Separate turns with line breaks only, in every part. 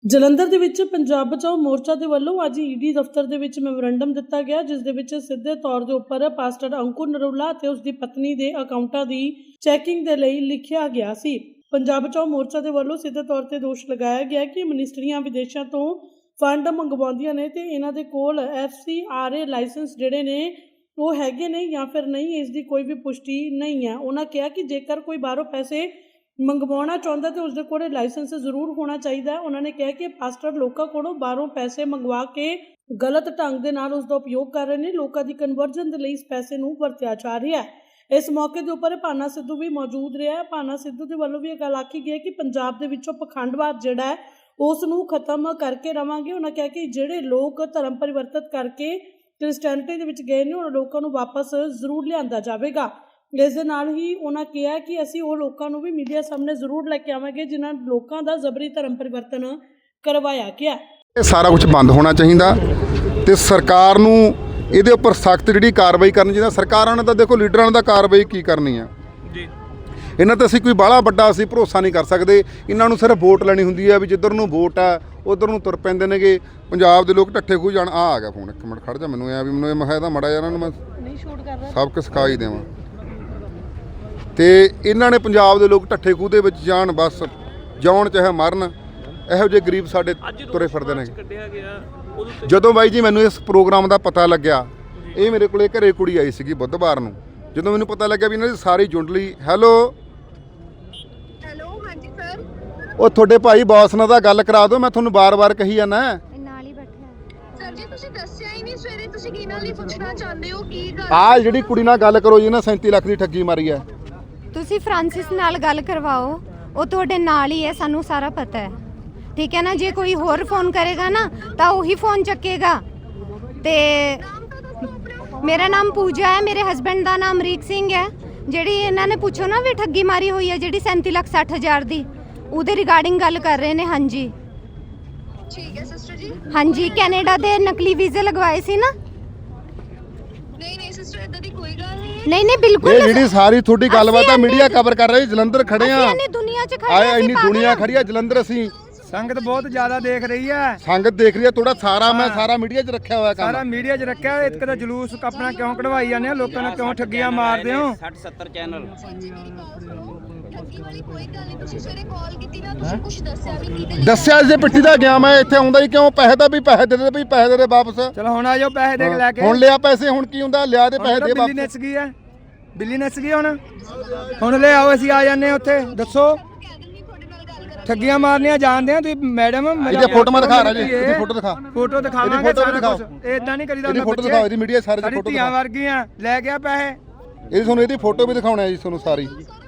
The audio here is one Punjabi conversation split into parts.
ਜਲੰਧਰ ਦੇ ਵਿੱਚ ਪੰਜਾਬ ਬਚਾਓ ਮੋਰਚਾ ਦੇ ਵੱਲੋਂ ਅੱਜ ਈਡੀ ਦਫ਼ਤਰ ਦੇ ਵਿੱਚ ਮੈਮੋਰੰਡਮ ਦਿੱਤਾ ਗਿਆ, ਜਿਸ ਦੇ ਵਿੱਚ ਸਿੱਧੇ ਤੌਰ ਦੇ ਉੱਪਰ ਪਾਸਟਰ ਅੰਕੁਰ ਨਰੂਲਾ ਅਤੇ ਉਸ ਦੀ ਪਤਨੀ ਦੇ ਅਕਾਊਂਟਾਂ ਦੀ ਚੈਕਿੰਗ ਦੇ ਲਈ ਲਿਖਿਆ ਗਿਆ ਸੀ। ਪੰਜਾਬ ਬਚਾਓ ਮੋਰਚਾ ਦੇ ਵੱਲੋਂ ਸਿੱਧੇ ਤੌਰ ਤੇ ਦੋਸ਼ ਲਗਾਇਆ ਗਿਆ ਕਿ ਮਿਨਿਸਟਰੀਆਂ ਵਿਦੇਸ਼ਾਂ ਤੋਂ ਫੰਡ ਮੰਗਵਾਉਂਦੀਆਂ ਨੇ ਤੇ ਇਹਨਾਂ ਦੇ ਕੋਲ FCRA ਲਾਇਸੈਂਸ ਜਿਹੜੇ ਨੇ ਉਹ ਹੈਗੇ ਨੇ ਜਾਂ ਫਿਰ ਨਹੀਂ, ਇਸ ਦੀ ਕੋਈ ਵੀ ਪੁਸ਼ਟੀ ਨਹੀਂ ਹੈ। ਉਹਨਾਂ ਕਿਹਾ ਕਿ ਜੇਕਰ ਕੋਈ ਬਾਹਰੋਂ ਪੈਸੇ ਮੰਗਵਾਉਣਾ ਚਾਹੁੰਦਾ ਤੇ ਉਸਦੇ ਕੋਲ ਲਾਇਸੈਂਸ ਜ਼ਰੂਰ ਹੋਣਾ ਚਾਹੀਦਾ ਹੈ। ਉਹਨਾਂ ਨੇ ਕਿਹਾ ਕਿ ਪਾਸਟਰ ਲੋਕਾਂ ਕੋਲੋਂ ਬਾਹਰੋਂ ਪੈਸੇ ਮੰਗਵਾ ਕੇ ਗਲਤ ਢੰਗ ਦੇ ਨਾਲ ਉਸ ਦਾ ਉਪਯੋਗ ਕਰ ਰਹੇ ਨੇ। ਲੋਕਾਂ ਦੀ ਕਨਵਰਜਨ ਦੇ ਲਈ ਇਸ ਪੈਸੇ ਨੂੰ ਵਰਤਿਆ ਜਾ ਰਿਹਾ ਹੈ। ਇਸ ਮੌਕੇ ਦੇ ਉੱਪਰ ਭਾਨਾ ਸਿੱਧੂ ਵੀ ਮੌਜੂਦ ਰਿਹਾ ਹੈ। ਭਾਨਾ ਸਿੱਧੂ ਦੇ ਵੱਲੋਂ ਵੀ ਇਹ ਗੱਲ ਆਖੀ ਗਈ ਕਿ ਪੰਜਾਬ ਦੇ ਵਿੱਚੋਂ ਪਖੰਡਵਾਦ ਜਿਹੜਾ ਹੈ ਉਸ ਨੂੰ ਖਤਮ ਕਰਕੇ ਰਵਾਂਗੇ। ਉਹਨਾਂ ਕਿਹਾ ਕਿ ਜਿਹੜੇ ਲੋਕ ਧਰਮ ਪਰਿਵਰਤਨ ਕਰਕੇ ਕ੍ਰਿਸਚੈਨਿਟੀ ਦੇ ਵਿੱਚ ਗਏ ਨੇ ਉਹਨਾਂ ਲੋਕਾਂ ਨੂੰ ਵਾਪਸ ਜ਼ਰੂਰ ਲਿਆਂਦਾ ਜਾਵੇਗਾ। ਇਸ ਦੇ ਨਾਲ ਹੀ ਉਹਨਾਂ ਕਿਹਾ ਕਿ ਅਸੀਂ ਉਹ ਲੋਕਾਂ ਨੂੰ ਵੀ ਮੀਡੀਆ ਸਾਹਮਣੇ ਜ਼ਰੂਰ ਲੈ ਕੇ ਆਵਾਂਗੇ ਜਿਨ੍ਹਾਂ ਲੋਕਾਂ ਦਾ ਜ਼ਬਰੀ ਧਰਮ ਪਰਿਵਰਤਨ ਕਰਵਾਇਆ ਗਿਆ।
ਇਹ ਸਾਰਾ ਕੁਝ ਬੰਦ ਹੋਣਾ ਚਾਹੀਦਾ ਤੇ ਸਰਕਾਰ ਨੂੰ ਇਹਦੇ ਉੱਪਰ ਸਖਤ ਜਿਹੜੀ ਕਾਰਵਾਈ ਕਰਨੀ ਚਾਹੀਦੀ। ਸਰਕਾਰਾਂ ਨੇ ਤਾਂ ਦੇਖੋ ਲੀਡਰਾਂ ਨੇ ਤਾਂ ਕਾਰਵਾਈ ਕੀ ਕਰਨੀ ਆ ਜੀ, ਇਹਨਾਂ ਤੇ ਅਸੀਂ ਕੋਈ ਬਾਹਲਾ ਵੱਡਾ ਅਸੀਂ ਭਰੋਸਾ ਨਹੀਂ ਕਰ ਸਕਦੇ। ਇਹਨਾਂ ਨੂੰ ਸਿਰਫ ਵੋਟ ਲੈਣੀ ਹੁੰਦੀ ਹੈ ਵੀ ਜਿੱਧਰ ਨੂੰ ਵੋਟ ਆ ਉਧਰ ਨੂੰ ਤੁਰ ਪੈਂਦੇ ਨੇਗੇ। ਪੰਜਾਬ ਦੇ ਲੋਕ ਢੱਠੇ ਖੂਹ ਜਾਣ। ਆ ਗਿਆ ਫੋਨ, ਇੱਕ ਮਿੰਟ ਖੜ ਜਾ, ਮੈਨੂੰ ਐ ਵੀ ਮੈਨੂੰ ਇਹ ਮੈਂ ਇਹਦਾ ਮੜਾ ਇਹਨਾਂ ਨੂੰ ਮੈਂ
ਨਹੀਂ ਸ਼ੂਟ ਕਰ ਰਿਹਾ,
ਸਭ ਕੁਝ ਸਿਖਾਈ ਦੇਵਾਂ। ਤੇ ਇਹਨਾਂ ਨੇ ਪੰਜਾਬ ਦੇ ਲੋਕ ਢੱਠੇ ਖੂਹ ਦੇ ਵਿੱਚ ਜਾਣ, ਬਸ ਜਾਣ ਚਾਹੇ ਮਰਨ। ਇਹੋ ਜਿਹੇ ਗਰੀਬ ਸਾਡੇ ਤੁਰੇ ਫਿਰਦੇ ਨੇ। ਜਦੋਂ ਬਾਈ ਜੀ ਮੈਨੂੰ ਇਸ ਪ੍ਰੋਗਰਾਮ ਦਾ ਪਤਾ ਲੱਗਿਆ, ਇਹ ਮੇਰੇ ਕੋਲੇ ਘਰੇ ਕੁੜੀ ਆਈ ਸੀਗੀ ਬੁੱਧਵਾਰ ਨੂੰ, ਜਦੋਂ ਮੈਨੂੰ ਪਤਾ ਲੱਗਿਆ ਵੀ ਇਹਨਾਂ ਦੀ ਸਾਰੀ ਜੁੰਡਲੀ ਹੈਲੋ
ਹਾਂਜੀ ਸਰ,
ਉਹ ਤੁਹਾਡੇ ਭਾਈ ਬੌਸ ਨਾਲ ਤਾਂ ਗੱਲ ਕਰਾ ਦਿਓ, ਮੈਂ ਤੁਹਾਨੂੰ ਬਾਰ-ਬਾਰ ਕਹੀ ਜਾਂਦਾ
ਨਾਲ ਹੀ ਬੈਠਾ। ਸਰ ਜੀ ਤੁਸੀਂ ਦੱਸਿਆ ਹੀ ਨਹੀਂ ਸਵੇਰੇ, ਤੁਸੀਂ ਕੀ ਨਾਲ ਹੀ ਪੁੱਛਣਾ ਚਾਹੁੰਦੇ ਹੋ? ਕੀ ਗੱਲ?
ਆਹ ਜਿਹੜੀ ਕੁੜੀ ਨਾਲ ਗੱਲ ਕਰੋ ਜੀ ਨਾ, 37 ਲੱਖ ਦੀ ਠੱਗੀ ਮਾਰੀ ਹੈ।
ਤੁਸੀਂ ਫ੍ਰਾਂਸਿਸ ਨਾਲ ਗੱਲ ਕਰਵਾਓ, ਉਹ ਤੁਹਾਡੇ ਨਾਲ ਹੀ ਹੈ, ਸਾਨੂੰ ਸਾਰਾ ਪਤਾ ਹੈ, ਠੀਕ ਹੈ ਨਾ। ਜੇ ਕੋਈ ਹੋਰ ਫੋਨ ਕਰੇਗਾ ਨਾ ਤਾਂ ਉਹੀ ਫੋਨ ਚੱਕੇਗਾ। ਤੇ ਮੇਰਾ ਨਾਮ ਪੂਜਾ ਹੈ, ਮੇਰੇ ਹਸਬੈਂਡ ਦਾ ਨਾਮ ਅਮਰੀਕ ਸਿੰਘ ਹੈ। ਜਿਹੜੀ ਇਹਨਾਂ ਨੇ ਪੁੱਛੋ ਨਾ ਵੀ ਠੱਗੀ ਮਾਰੀ ਹੋਈ ਹੈ ਜਿਹੜੀ 37,60,000 ਦੀ, ਉਹਦੇ ਰਿਗਾਰਡਿੰਗ ਗੱਲ ਕਰ ਰਹੇ ਨੇ। ਹਾਂਜੀ
ਠੀਕ ਹੈ ਸਿਸਟਰ ਜੀ।
ਹਾਂਜੀ, ਕੈਨੇਡਾ ਦੇ ਨਕਲੀ ਵੀਜ਼ੇ ਲਗਵਾਏ ਸੀ ਨਾ।
ਨਹੀਂ ਸਿਸਟਰ, ਇਦਾਂ ਦੀ ਕੋਈ ਗੱਲ ਨਹੀਂ ਹੈ।
ਨਹੀਂ ਬਿਲਕੁਲ।
ਇਹ ਜਿਹੜੀ ਸਾਰੀ ਤੁਹਾਡੀ ਗੱਲਬਾਤ ਆ ਮੀਡੀਆ ਕਵਰ ਕਰ ਰਹੀ। ਜਲੰਧਰ ਖੜੇ ਆ,
ਇੰਨੀ ਦੁਨੀਆ 'ਚ ਖੜੇ
ਆਏ ਇੰਨੀ ਦੁਨੀਆ ਖੜੀ ਆ ਜਲੰਧਰ। ਅਸੀਂ
ਸੰਗਤ ਬਹੁਤ ਜ਼ਿਆਦਾ ਦੇਖ ਰਹੀ ਹੈ,
ਸੰਗਤ ਦੇਖ ਰਹੀ ਹੈ। ਥੋੜਾ ਸਾਰਾ ਮੈਂ ਸਾਰਾ ਮੀਡੀਆ 'ਚ ਰੱਖਿਆ ਹੋਇਆ ਕੰਮ,
ਸਾਰਾ ਮੀਡੀਆ 'ਚ ਰੱਖਿਆ। ਇੱਕ ਤਾਂ ਜਲੂਸ ਆਪਣਾ ਕਿਉਂ ਕਢਵਾਈ ਜਾਂਦੇ ਹੋ, ਲੋਕਾਂ ਨੂੰ ਕਿਉਂ ਠੱਗੀਆਂ ਮਾਰਦੇ ਹੋ?
60-70 ਚੈਨਲ
ਜੀ ਮੇਰੀ ਕਾਲ ਸੁਣੋ, ਠੱਗੀ ਵਾਲੀ ਕੋਈ ਗੱਲ ਨਹੀਂ। ਤੁਸੀਂ ਸਵੇਰੇ ਕਾਲ ਕੀਤੀ ਨਾ, ਤੁਸੀਂ ਕੁਝ ਦੱਸਿਆ ਵੀ ਨਹੀਂ।
ਦੱਸਿਆ ਇਸੇ ਪਿੱਟੀ ਦਾ ਗਿਆ ਮੈਂ, ਇੱਥੇ ਆਉਂਦਾ ਹੀ ਕਿਉਂ? ਪੈਸੇ ਦਾ ਵੀ ਪੈਸੇ ਦੇ ਦੇ, ਵੀ ਪੈਸੇ ਦੇ ਵਾਪਸ।
ਚਲੋ ਹੁਣ ਆ ਜਾਓ, ਪੈਸੇ ਦੇ ਕੇ ਲੈ ਕੇ।
ਹੁਣ ਲਿਆ ਪੈਸੇ, ਹੁਣ ਕੀ ਹੁੰਦਾ? ਲਿਆ ਦੇ ਪੈਸੇ ਦੇ
ਬਿੱਲੀ
ਵਾਪਸ।
ਨੱਚ ਗਈ ਹੈ, ਬਿੱਲੀ ਨੱਚ ਗਈ। ਹੁਣ ਲੈ ਆਓ, ਅਸੀਂ ਆ ਜਾਂਦੇ ਉੱਥੇ। ਦੱਸੋ ਠੱਗੀਆਂ ਮਾਰਨੀਆਂ ਜਾਣਦੇ ਆ ਤੁਸੀਂ ਮੈਡਮ?
ਇਹਦੀ ਫੋਟੋਆਂ ਦਿਖਾ ਰਿਹਾ ਜੀ, ਇਹਦੀ ਫੋਟੋ ਦਿਖਾ।
ਫੋਟੋ ਦਿਖਾਵਾਂਗੇ,
ਇਹਦੀ ਫੋਟੋ ਦਿਖਾਓ।
ਇਦਾਂ ਨਹੀਂ ਕਰੀਦਾ।
ਇਹਦੀ ਫੋਟੋ ਦਿਖਾਓ, ਇਹਦੀ ਮੀਡੀਆ ਸਾਰੇ ਦੀ ਫੋਟੋ
ਧੀਆਂ
ਦਿਖਾਓ।
ਵਰਗੀਆਂ ਲੈ ਗਿਆ ਪੈਸੇ।
ਇਹ ਤੁਹਾਨੂੰ ਇਹਦੀ ਫੋਟੋ ਵੀ ਦਿਖਾਉਣਾ ਜੀ ਤੁਹਾਨੂੰ ਸਾਰੀ।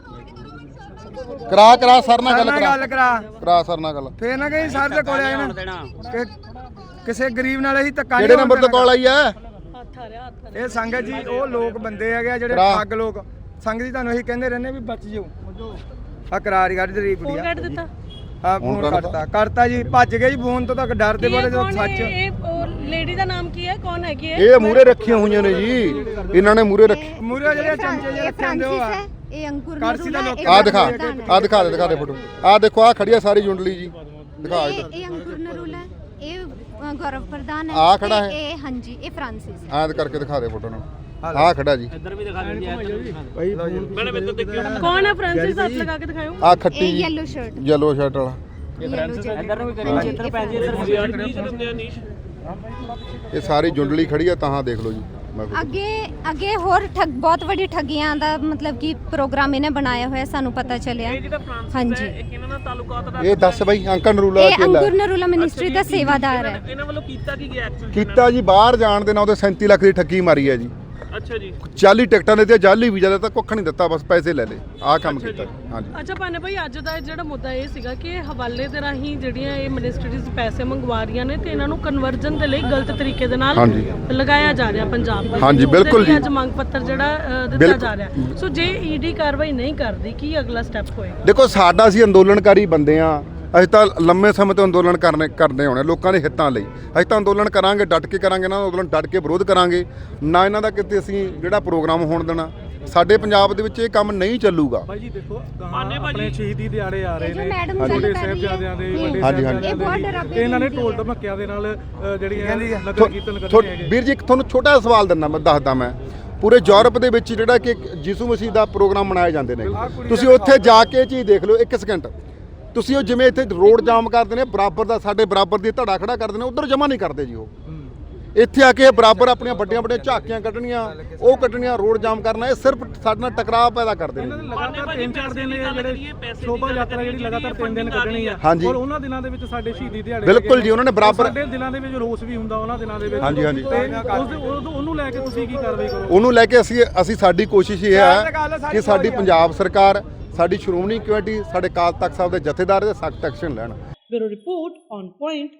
ਕਰਾ ਸਰ ਨਾਲ ਗੱਲ ਕਰਾ ਸਰ ਨਾਲ ਗੱਲ।
ਫੇਰ ਨਾ ਕਹੀਂ ਸਰ ਦੇ ਕੋਲ ਆਏ ਨਾ ਕਿਸੇ ਗਰੀਬ ਨਾਲ ਅਸੀਂ ਧੱਕਾ।
ਕਿਹੜੇ ਨੰਬਰ ਤੋਂ ਕਾਲ ਆਈ ਹੈ?
ਇਹ ਸੰਗਤ ਜੀ ਉਹ ਲੋਕ ਬੰਦੇ ਹੈਗੇ ਜਿਹੜੇ ਠੱਗ ਲੋਕ। ਸੰਗਤ ਜੀ ਤੁਹਾਨੂੰ ਅਸੀਂ ਕਹਿੰਦੇ ਰਹਿੰਦੇ ਵੀ ਬਚ ਜਾਓ। ਆ ਕਰਾਰੀ ਕੱਢ ਰਹੀ ਕੁੜੀ ਆ।
ਕੱਢ ਦਿੱਤਾ।
ਹਾਂ ਫੋਨ ਕਰਤਾ ਜੀ, ਭੱਜ ਗਏ ਜੀ ਫੋਨ ਤੋਂ। ਤੱਕ ਡਰਦੇ ਬੋਲੇ ਜਦੋਂ ਸੱਚ।
ਇਹ ਲੇਡੀ ਦਾ ਨਾਮ ਕੀ ਹੈ? ਕੌਣ ਹੈਗੀ ਹੈ?
ਇਹ ਮੂਰੇ ਰੱਖੀਆਂ ਹੋਈਆਂ ਨੇ ਜੀ, ਇਹਨਾਂ ਨੇ ਮੂਰੇ ਰੱਖੀ।
ਮੂਰੇ ਜਿਹੜੇ ਚਮਚੇ ਜਿਹੇ ਰੱਖੇ ਹੁੰਦੇ ਉਹ ਆ।
ਇਹ ਅੰਕੁਰ
ਕਰਸੀ ਦਾ ਲੋਕ।
ਆ ਦਿਖਾ ਦੇ ਫੋਟੋ। ਆ ਦੇਖੋ, ਆ ਖੜੀ ਆ ਸਾਰੀ ਜੁੰਡਲੀ ਜੀ। ਦਿਖਾ ਇੱਧਰ।
ਇਹ ਅੰਕੁਰ ਨਰੂਲਾ, ਇਹ ਗੌਰਵ ਪ੍ਰਧਾਨ ਹੈ।
ਆ ਖੜਾ ਹੈ।
ਇਹ ਹਾਂਜੀ, ਇਹ ਫ੍ਰਾਂਸਿਸ ਹੈ।
ਐਂ ਕਰਕੇ ਦਿਖਾ ਦੇ ਫੋਟੋ ਨੂੰ। ਆ ਖੜਾ ਜੀ।
ਇੱਧਰ ਵੀ ਦਿਖਾ ਦਿੰਦੇ ਆ।
ਮੈਡਮ ਇੱਧਰ ਦੇਖਿਓ।
ਕੌਣ ਹੈ ਫ੍ਰਾਂਸਿਸ? ਹੱਥ ਲਗਾ ਕੇ ਦਿਖਾਓ।
ਆ ਖੱਟੀ
ਇਹ
ਜੀ,
ਯੈਲੋ ਸ਼ਰਟ
ਯੈਲੋ ਸ਼ਰਟ ਵਾਲਾ।
ਇੱਧਰ ਨੂੰ ਵੀ ਕਰੀ, ਇੱਧਰ ਪੈਸੇ ਇੱਧਰ ਨੀਸ਼।
ਇਹ ਸਾਰੀ ਜੁੰਡਲੀ ਖੜੀ ਆ, ਤਾਂ ਦੇਖ ਲਓ ਜੀ।
ਅੱਗੇ ਹੋਰ ਬਹੁਤ ਵੱਡੀ ਠੱਗੀਆਂ ਦਾ ਮਤਲਬ ਕਿ ਪ੍ਰੋਗਰਾਮ ਇਹਨੇ ਬਣਾਇਆ ਹੋਇਆ, ਸਾਨੂੰ ਪਤਾ ਚੱਲਿਆ। ਹਾਂਜੀ,
ਇਹਨਾਂ ਦਾ ਤਾਲੁਕਾਤ ਦਾ
ਇਹ ਦੱਸ ਬਈ। ਅੰਕਲ ਨਰੂਲਾ
ਇਹ ਅੰਕੁਰ ਨਰੂਲਾ ਮਿਨਿਸਟਰੀ ਦਾ ਸੇਵਾਦਾਰ ਹੈ।
ਇਹਨਾਂ ਵੱਲੋਂ ਕੀਤਾ ਕੀ ਗਿਆ ਐਕਚੁਅਲੀ?
ਕੀਤਾ ਜੀ, ਬਾਹਰ ਜਾਣ ਦੇ ਨਾਂ ਉਹਦੇ 37 ਲੱਖ ਦੀ ਠੱਗੀ ਮਾਰੀ ਹੈ ਜੀ।
ਅੱਛਾ ਜੀ।
40 ਟਿਕਟਾਂ ਦੇ ਤੇ ਜਾਲੀ ਵੀਜ਼ਾ ਦਾ ਤਾਂ ਕੁੱਖ ਨਹੀਂ ਦਿੱਤਾ, ਬਸ ਪੈਸੇ ਲੈ ਲਏ। ਆਹ ਕੰਮ ਕੀਤਾ। ਹਾਂਜੀ।
ਅੱਛਾ ਭਾਨੇ ਭਾਈ, ਅੱਜ ਦਾ ਜਿਹੜਾ ਮੁੱਦਾ ਇਹ ਸੀਗਾ ਕਿ ਹਵਾਲੇ ਦੇ ਰਾਹੀਂ ਜਿਹੜੀਆਂ ਇਹ ਮਿਨਿਸਟਰੀਜ਼ ਪੈਸੇ ਮੰਗਵਾ ਰਹੀਆਂ ਨੇ ਤੇ ਇਹਨਾਂ ਨੂੰ ਕਨਵਰਜਨ ਦੇ ਲਈ ਗਲਤ ਤਰੀਕੇ ਦੇ ਨਾਲ ਲਗਾਇਆ ਜਾ ਰਿਹਾ ਪੰਜਾਬ ਦੇ।
ਹਾਂਜੀ ਬਿਲਕੁਲ ਜੀ।
ਅੱਜ ਮੰਗ ਪੱਤਰ ਜਿਹੜਾ ਦਿੱਤਾ ਜਾ ਰਿਹਾ। ਸੋ ਜੇ ਈਡੀ ਕਾਰਵਾਈ ਨਹੀਂ ਕਰਦੀ, ਕੀ ਅਗਲਾ ਸਟੈਪ ਹੋਏਗਾ?
ਦੇਖੋ, ਸਾਡਾ ਅਸੀਂ ਅੰਦੋਲਨਕਾਰੀ ਬੰਦੇ ਆ। ਅਸੀਂ ਤਾਂ ਲੰਮੇ ਸਮੇਂ ਤੋਂ ਅੰਦੋਲਨ ਕਰਦੇ ਹੋਣੇ ਲੋਕਾਂ ਦੇ ਹਿੱਤਾਂ ਲਈ। ਅਸੀਂ ਤਾਂ ਅੰਦੋਲਨ ਕਰਾਂਗੇ, ਡਟ ਕੇ ਕਰਾਂਗੇ ਨਾ। ਅੰਦੋਲਨ ਡਟ ਕੇ ਵਿਰੋਧ ਕਰਾਂਗੇ ਨਾ। ਇਹਨਾਂ ਦਾ ਕਿਤੇ ਅਸੀਂ ਜਿਹੜਾ ਪ੍ਰੋਗਰਾਮ ਹੋਣ ਦੇਣਾ। ਸਾਡੇ ਪੰਜਾਬ ਦੇ ਵਿੱਚ ਇਹ ਕੰਮ ਨਹੀਂ ਚੱਲੂਗਾ।
ਭਾਈ ਜੀ ਦੇਖੋ ਆਪਣੇ ਸ਼ਹੀਦੀ ਦਿਹਾੜੇ ਆ ਰਹੇ
ਇਹ ਜੋ
ਨੇ
ਮੈਡਮ
ਛੋਟੇ
ਗੱਲ ਕਰ ਰਹੀ
ਸਾਹਿਬਜ਼ਾਦਿਆਂ ਦੇ ਵੱਡੇ
ਹਾਂਜੀ,
ਸਾਹਿਬਜ਼ਾਦਿਆਂ
ਇਹ ਬਹੁਤ
ਦੇ
ਡਰਾਵੇ
ਤੇ ਇਹਨਾਂ ਨੇ
ਦਿੰਦੀ
ਢੋਲ
ਹੈ।
ਧਮੱਕਿਆਂ ਦੇ ਨਾਲ ਜਿਹੜੀਆਂ ਨਗਰ ਕੀਰਤਨ ਕਰਦੇ ਹੈਗੇ।
ਵੀਰ ਜੀ ਤੁਹਾਨੂੰ ਛੋਟਾ ਜਿਹਾ ਸਵਾਲ ਦਿੰਦਾ ਮੈਂ ਦੱਸਦਾ ਮੈਂ ਪੂਰੇ ਯੂਰਪ ਦੇ ਵਿੱਚ ਜਿਹੜਾ ਕਿ ਯਿਸੂ ਮਸੀਹ ਦਾ ਪ੍ਰੋਗਰਾਮ ਮਨਾਏ ਜਾਂਦੇ ਨੇ ਤੁਸੀਂ ਉੱਥੇ ਜਾ ਕੇ ਇਹ ਚੀਜ਼ ਦੇਖ ਲਓ 1 ਸਕਿੰਟ ਤੁਸੀਂ ਉਹ ਜਿਵੇਂ ਇੱਥੇ ਰੋਡ ਜਾਮ ਕਰਦੇ ਨੇ ਬਰਾਬਰ ਦਾ ਸਾਡੇ ਬਰਾਬਰ ਦੀ ਧੜਾ ਖੜਾ ਕਰਦੇ ਨੇ ਉਧਰ ਜਮਾ ਨਹੀਂ ਕਰਦੇ ਜੀ ਉਹ ਇੱਥੇ ਆ ਕੇ ਬਰਾਬਰ ਆਪਣੀਆਂ ਵੱਡੀਆਂ ਝਾਕੀਆਂ ਕੱਢਣੀਆਂ ਉਹ ਕੱਢਣੀਆਂ ਰੋਡ ਜਾਮ ਕਰਨਾ ਇਹ ਸਿਰਫ ਸਾਡੇ ਨਾਲ ਟਕਰਾਅ ਪੈਦਾ ਕਰਦੇ ਨੇ
ਲਗਾਤਾਰ 3-4 ਦਿਨ ਜਿਹੜੇ ਸ਼ੋਭਾ ਯਾਤਰਾ ਜਿਹੜੀ ਲਗਾਤਾਰ 3 ਦਿਨ ਕੱਢਣੀ ਆ
ਹਾਂਜੀ।
ਔਰ ਉਹਨਾਂ ਦਿਨਾਂ ਦੇ ਵਿੱਚ ਸਾਡੇ ਸ਼ਹੀਦੀ ਦਿਹਾੜੇ
ਬਿਲਕੁਲ ਜੀ ਉਹਨਾਂ ਨੇ ਬਰਾਬਰ
ਸਾਡੇ ਦਿਲਾਂ ਦੇ ਵਿੱਚ ਰੋਸ ਵੀ ਹੁੰਦਾ ਉਹਨਾਂ ਦਿਨਾਂ ਦੇ ਵਿੱਚ
ਹਾਂਜੀ, ਹਾਂਜੀ।
ਤੇ ਉਹਨੂੰ ਲੈ ਕੇ ਤੁਸੀਂ ਕੀ ਕਾਰਵਾਈ ਕਰੋ?
ਉਹਨੂੰ ਲੈ ਕੇ ਅਸੀਂ ਸਾਡੀ ਕੋਸ਼ਿਸ਼ ਇਹ ਹੈ ਕਿ ਸਾਡੀ ਪੰਜਾਬ ਸਰਕਾਰ ਸਾਡੀ ਸ਼੍ਰੋਮਣੀ ਕਮੇਟੀ ਸਾਡੇ ਅਕਾਲ ਤਖਤ ਸਾਹਿਬ ਦੇ ਜਥੇਦਾਰ ਦੇ ਸਖਤ ਐਕਸ਼ਨ ਲੈਣ।
Bureau report on point.